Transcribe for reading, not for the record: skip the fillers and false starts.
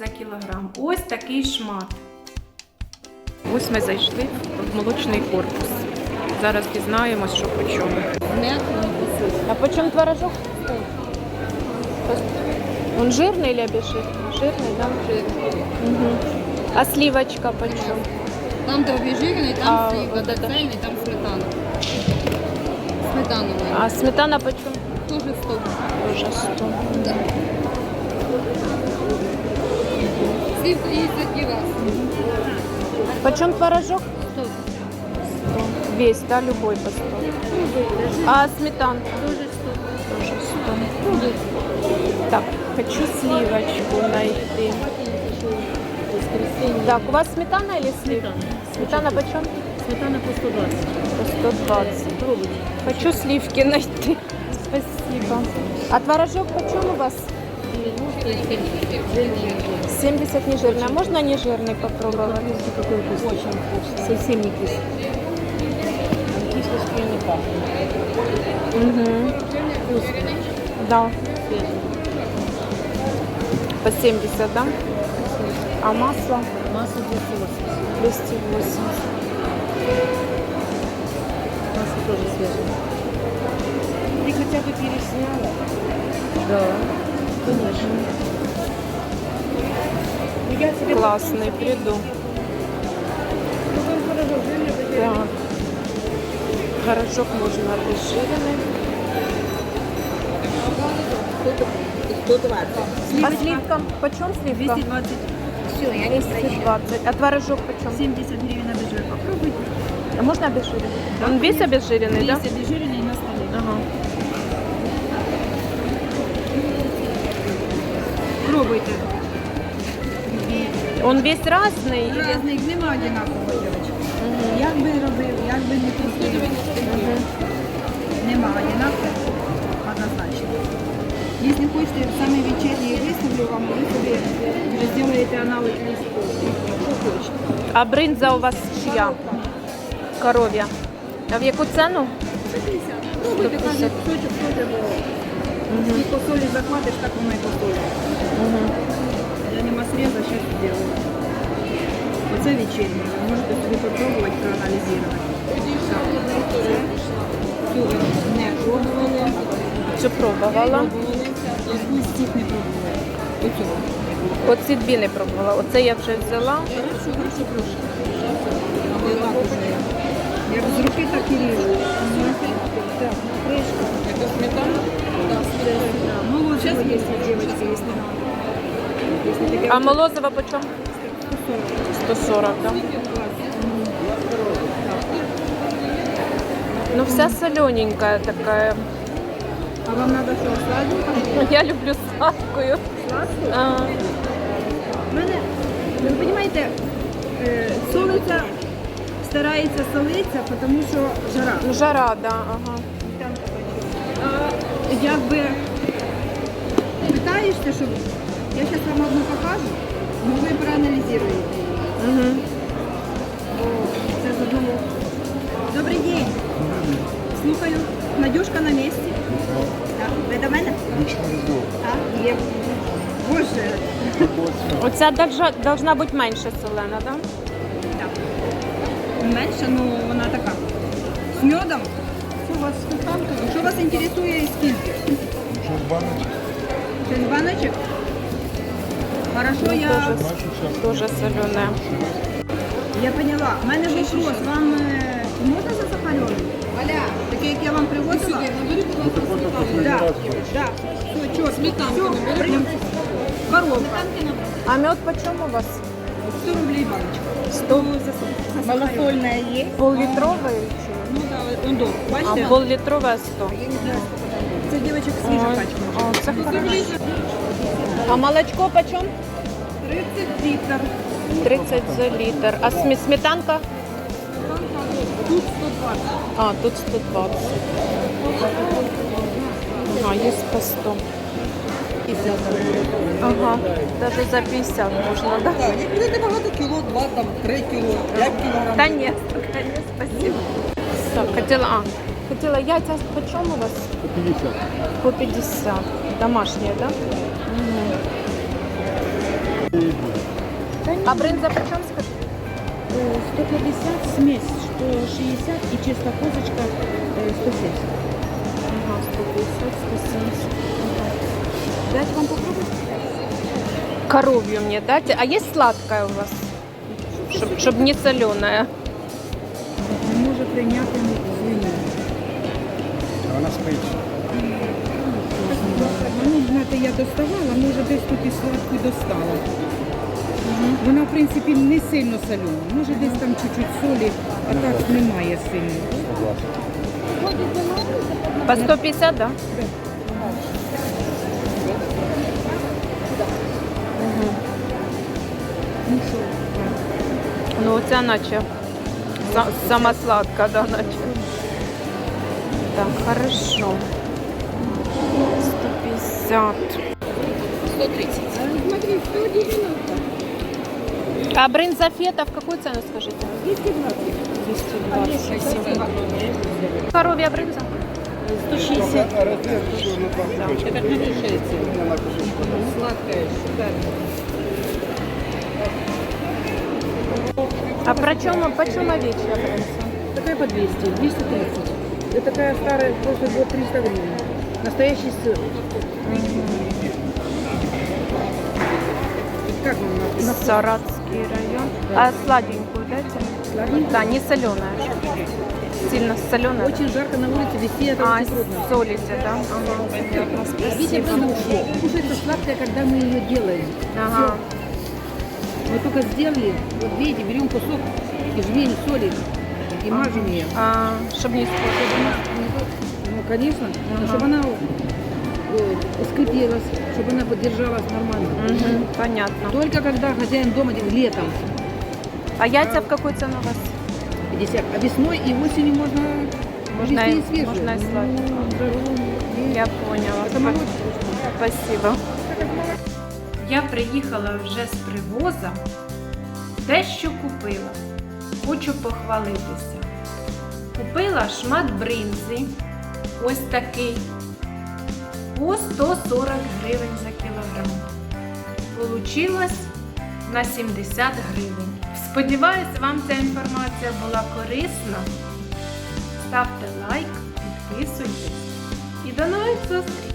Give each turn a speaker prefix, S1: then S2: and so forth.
S1: за кілограм. Ось такий шмат. Ось ми зайшли в молочний корпус. Зараз дізнаємось, що по чому. А по чому творожок? Он жирний или обезжиренный? Жирний, да?
S2: Жирный.
S1: Угу. А сливочка по чому?
S2: Там, де обезжирений, там
S1: А,
S2: слива,
S1: вот
S2: де
S1: это.
S2: цельний, там сметана. Сметановий.
S1: А сметана по чому?
S2: Тоже 100.
S1: Тоже 100.
S2: Да. Сливка есть один раз.
S1: Почем творожок?
S2: 100.
S1: 100. Весь, да, любой по 100. А сметанка?
S2: Тоже 100.
S1: Тоже 100. Так, хочу сливочку найти. Так, у вас сметана или слива? Сметана почем?
S2: Сметана по 120.
S1: По 120. Хочу сливки найти. Спасибо. А творожок почем у вас? 70 нежирный. А можно нежирный попробовать?
S2: Какой вкус? Очень вкусный. Совсем не кислый. Кислостью не пахнет.
S1: Угу.
S2: Вкусный.
S1: Да.
S2: Свежий.
S1: По 70, да? А масло?
S2: Масло 280.
S1: 280.
S2: Масло тоже свежее.
S1: Ты хотя бы пересняла?
S2: Да. Конечно.
S1: Классный, приду. Так. Горошок можно обезжиренный.
S2: 120.
S1: А сливкам? Почем сливка?
S3: 220. Все, я не прощаю.
S1: 220. А творожок почем?
S3: 70 гривен обезжиренный. Попробуйте.
S1: А можно обезжиренный? Он весь обезжиренный, да?
S3: Есть обезжиренный на столе.
S1: Ага.
S3: Пробуйте.
S1: Он весь разный? или-
S3: Разних нема одинакового, дівчатка.
S1: Мгм.
S3: Як би робив, як би не крутив, нема одинакового, однозначно. Якщо хочете, саме вечірній виставлю вам, ви собі вже зробите аналіз листу. Що хочете.
S1: А бринза у вас чья? Коров'я. А в яку ціну?
S3: 150. Пробуйте, кожен кусочок теж, бо скільки солі захватиш, так воно і посолить.
S1: Угу.
S3: Я нема среза, сейчас сделаю. Оце вечірнє. Ви можете собі попробувати, проаналізувати. Цю ви не пробували.
S1: Цю пробувала.
S3: Якусь з цих не пробували. Оцю.
S1: Оці дві не пробувала. Оце я вже взяла.
S3: Хорошо. Але так уже. Як з руки, так і ріжу. Так, кришка.
S2: Это сметана?
S3: Да, молочко є, дівчатки, якщо надо. Якщо таке
S1: А молозиво почем? 140, да? Ну вся солененькая такая.
S3: А вам надо що, сладенько?
S1: Я люблю сладкую.
S3: Сладку?
S1: А,
S3: У мене, ви розумієте, солиться, старається солитися, тому що жара.
S1: ну, жара, да, ага.
S3: А якби питаєшся, щоб я зараз вам одну покажу, ну ви проаналізуєте її.
S1: Угу.
S3: Бо це з одного. Добрий день. Слухаю. Надюшка на місці. Так. Ви до мене? Так, є. Боже.
S1: Оця должна бути менше солена, да?
S3: Так. Менше, ну вона така. З медом.
S2: У вас сметанка?
S3: Що вас інтересує і скільки? Це з баночок? Хорошо, я...
S1: Дуже соленая.
S3: Я поняла. У мене вопрос. Вам можна засахарений? Валя, такий, як я вам привозила?
S2: Набери, будь ласка, сметану.
S3: Да, да. Все, чё,
S2: Сметанку набери.
S3: прям коробка.
S1: А мед почем у вас?
S3: 100 рублей баночка.
S1: 100.
S3: Малосольная есть?
S1: Пол-літровий?
S3: Ну да, он долг.
S1: А
S3: Бачите?
S1: пол-літрове 100.
S3: Це дівчаток свіжа
S1: Ой,
S3: пачка.
S1: о, це хорошо. А молочко почем?
S3: 30 літрів.
S1: 30 за літр. А сметанка?
S3: Тут 120.
S1: А, тут 120. Ага, є по 100. Ага, навіть за 50 можна, да?
S2: Так, не будете багато, кіло, 2, там, 3 кіло, 5 кілограм.
S1: Та ні, спасибо. Так, хотіла яйця по чому у вас?
S4: По 50.
S1: По 50. Домашние, да? Угу. А бринза по чому, скажи?
S2: 150 смесь, что 60 и чисто козочка 170.
S1: Ага, 150, 170.
S2: Дать вам попробовать?
S1: Коровью мне дайте. А есть сладкая у вас? Чтоб не соленая.
S2: Не може прийняти свинину.
S4: Вона спить.
S2: Ну, знаєте, я доставала, може десь тут і сладку достала. Вона, в принципі, не сильно солена. Може десь там чуть-чуть солі, а так немає сильно.
S1: По 150, да?
S2: Ну що,
S1: Ну, оця наче сама сладка, да, наче. Так, хорошо. 150.
S2: 130. Смотри, 190.
S1: А брынза фета в какую цену, скажите?
S2: 220.
S1: 220. Коровья брынза?
S2: 160. Это хорошая цена. Сладкая, шикарная.
S1: А почем овечья брынза?
S2: Такая по 200, 230. Это такая старая, прошлый год 300 гривен. Настоящий сыр. Как вам написано?
S1: Саратский район.
S2: Да.
S1: А сладенькую дайте?
S2: Сладенькую?
S1: Да, не соленая. Сильно соленая.
S2: Очень жарко на улице, вести это
S1: А,
S2: очень трудно.
S1: солите, да? Ага, понятно,
S2: Видите,
S1: спасибо.
S2: кушается сладкое, когда мы ее делаем.
S1: Ага.
S2: Мы только сделали, вот видите, берем кусок и жмень соли и мажем ее.
S1: А, чтобы не испортить.
S2: Ну, конечно, чтобы она скрепилась, чтобы она поддержалась нормально.
S1: Мгм, понятно.
S2: Только когда хозяин дома летом
S1: А яйца в какую цену у вас?
S2: 50, а весной и осенью можно
S1: Можно
S2: везти
S1: и-
S2: и свежие.
S1: можно и сладкие.
S2: Ну, жару, и-
S1: Я поняла.
S2: Это молочко.
S1: Спасибо. Я приїхала вже з привоза, дещо купила. Хочу похвалитися. Купила шмат бринзи, ось такий, по 140 гривень за кілограм. Получилось на 70 гривень. Сподіваюсь, вам ця інформація була корисна. Ставте лайк, підписуйтесь і до нових зустрічей!